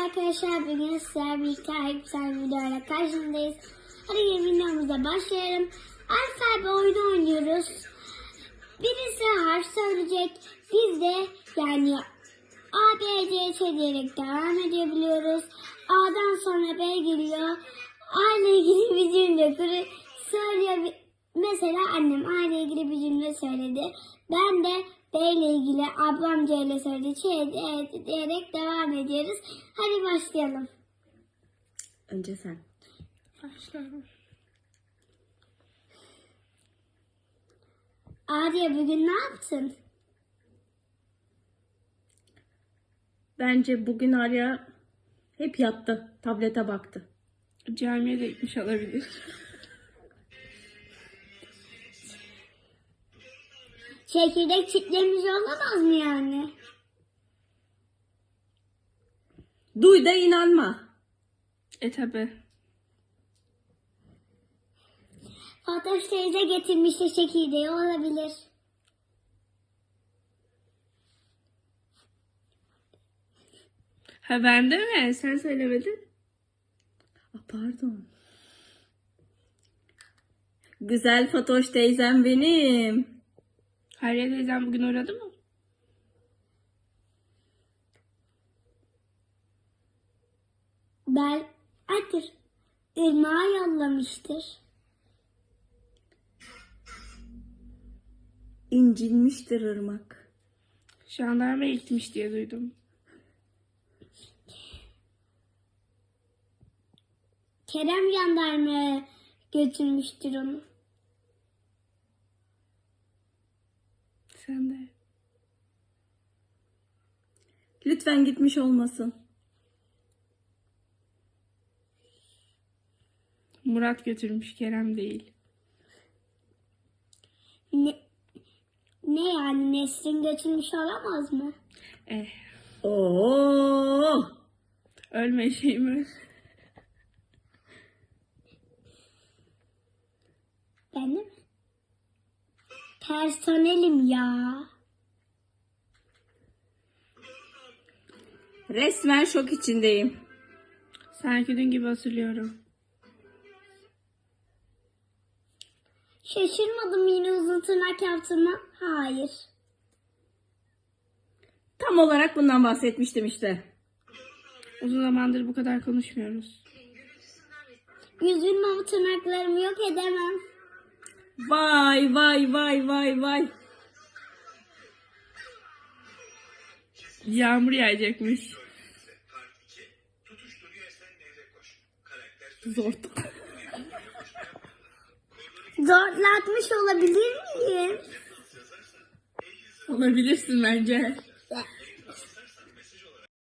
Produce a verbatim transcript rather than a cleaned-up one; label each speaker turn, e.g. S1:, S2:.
S1: arkadaşlar, bugün sizlerle birlikte güzel bir videoyla karşınızdayız. Hadi gelin videomuza başlayalım. Alfabe oyunu oynuyoruz. Birisi harf söyleyecek. Biz de yani A, B, C, Ç diyerek devam edebiliyoruz. A'dan sonra B geliyor. A ile ilgili bir cümle söylüyor. Mesela annem A ile ilgili bir cümle söyledi. Ben de B ile ilgili ablam C ile söyledi. Ç diyerek devam ediyoruz. Hadi başlayalım.
S2: Önce sen.
S1: Başlayalım. Arya, bugün ne yaptın?
S2: Bence bugün Arya hep yattı. Tablete baktı.
S3: Camiye de gitmiş olabilir.
S1: Çekirdek çitlemiş olamaz mı yani?
S2: Duy da inanma.
S3: E tabi.
S1: Fatoş teyze getirmişti çekirdeği, olabilir.
S3: Ha bende mi? Sen söylemedin.
S2: Aa, pardon. Güzel Fatoş teyzem benim.
S3: Hayriye teyzem bugün uğradı mı?
S1: Ben Adır Irmağa yollamıştır.
S2: İncinmiştir ırmak.
S3: Jandarmaya gitmiş diye duydum.
S1: Kerem jandarmaya götürmüştür onu.
S3: Sen de.
S2: Lütfen gitmiş olmasın.
S3: Murat götürmüş, Kerem değil.
S1: Ne, ne yani, Nesrin götürmüş olamaz mı?
S3: Eh.
S2: Oo!
S3: Ölme şey mi?
S1: Ben de mi? Personelim ya.
S2: Resmen şok içindeyim.
S3: Sanki dün gibi hatırlıyorum.
S1: Şaşırmadım yine uzun tırnak yaptığıma. Hayır.
S2: Tam olarak bundan bahsetmiştim işte.
S3: Uzun zamandır bu kadar konuşmuyoruz.
S1: Üzülme, bu tırnaklarımı yok edemem.
S2: Vay vay vay vay vay.
S3: Yağmur yağacakmış.
S2: Zor.
S1: Zorlatmış olabilir miyim?
S3: Olabilirsin bence.